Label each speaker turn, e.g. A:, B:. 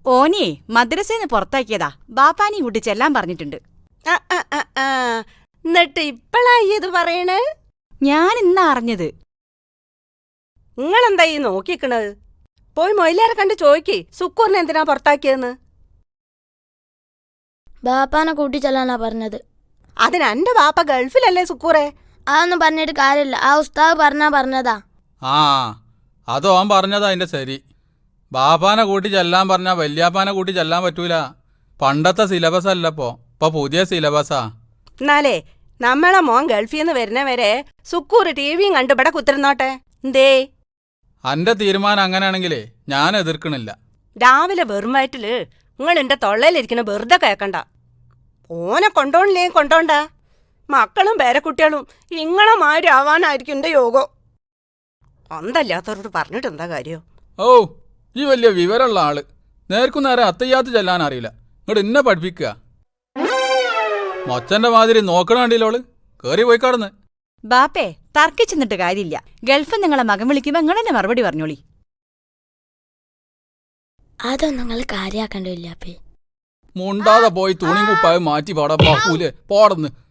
A: ഓനെ മദ്രസേന്ന് പുറത്താക്കിയതാ. ബാപ്പാനെയും കൂട്ടി ചെല്ലാൻ പറഞ്ഞിട്ടുണ്ട്.
B: എന്നിട്ട് ഇപ്പളായി ഇത് പറയണേ?
A: ഞാൻ ഇന്നാ അറിഞ്ഞത്.
B: നിങ്ങളെന്താ ഈ നോക്കിക്കണത്? പോയി മൊയിലാരെ കണ്ട് ചോദിക്ക് സുക്കൂറിനെ എന്തിനാ പുറത്താക്കിയെന്ന്.
C: ബാപ്പാനെ കൂട്ടി ചെല്ലാനാ പറഞ്ഞത്.
B: അതിന് എന്റെ ബാപ്പ ഗൾഫിലല്ലേ സുക്കൂറെ?
C: അതൊന്നും പറഞ്ഞിട്ട് കാര്യമില്ല. ആ ഉസ്താദ് പറഞ്ഞതാ.
D: ആ അതോ അവൻ പറഞ്ഞതാ അതിന്റെ ശരി. ബാപ്പാനെ കൂട്ടി ചെല്ലാൻ പറഞ്ഞാ വല്യാപ്പാനെ കൂട്ടി ചെല്ലാൻ പറ്റൂല. പണ്ടത്തെ സിലബസ് അല്ലപ്പോ, ഇപ്പൊ പുതിയ സിലബസാ.
B: എന്നാലേ നമ്മളെ മോൻ ഗൾഫിൽ നിന്ന് വരുന്നവരെ സുക്കൂർ ടിവിയും കണ്ട് ഇവിടെ കുത്തിരുന്നോട്ടെ. എന്തേ?
D: അന്റെ തീരുമാനം അങ്ങനെയാണെങ്കിലേ ഞാൻ എതിർക്കണില്ല.
B: രാവിലെ വെറും വയറ്റില് നിങ്ങൾ എന്റെ തൊള്ളയിലിരിക്കണ വെറുതെ കേക്കണ്ട. ഓനെ കൊണ്ടോണില്ലേ കൊണ്ടോണ്ട. മക്കളും പേരക്കുട്ടികളും ഇങ്ങളെ മാതിരി ആവാനായിരിക്കും എന്റെ യോഗം. അന്തല്ലാത്തവരോട് പറഞ്ഞിട്ട് എന്താ കാര്യം?
D: ഓ ഈ വലിയ വിവരമുള്ള ആള് നേർക്കു നേരെ അത്തയ്യാത്ത് ചെല്ലാൻ അറിയില്ല. ഇങ്ങോട്ട് എന്നെ പഠിപ്പിക്കുക. മൊച്ചന്റെ മാതിരി നോക്കണ കണ്ടില്ലോള് കേറി പോയി കടന്ന്.
A: ബാപ്പേ തർക്കിച്ചെന്നിട്ട് കാര്യമില്ല. ഗൾഫ് നിങ്ങളെ മകൻ വിളിക്കുമ്പോ നിങ്ങളെന്നെ മറുപടി പറഞ്ഞോളി.
C: അതൊന്നും നിങ്ങൾ കാര്യാക്കണ്ടില്ല.
D: മുണ്ടാതെ പോയി തുണി കുപ്പായം മാറ്റി പാടാ. പോടന്ന്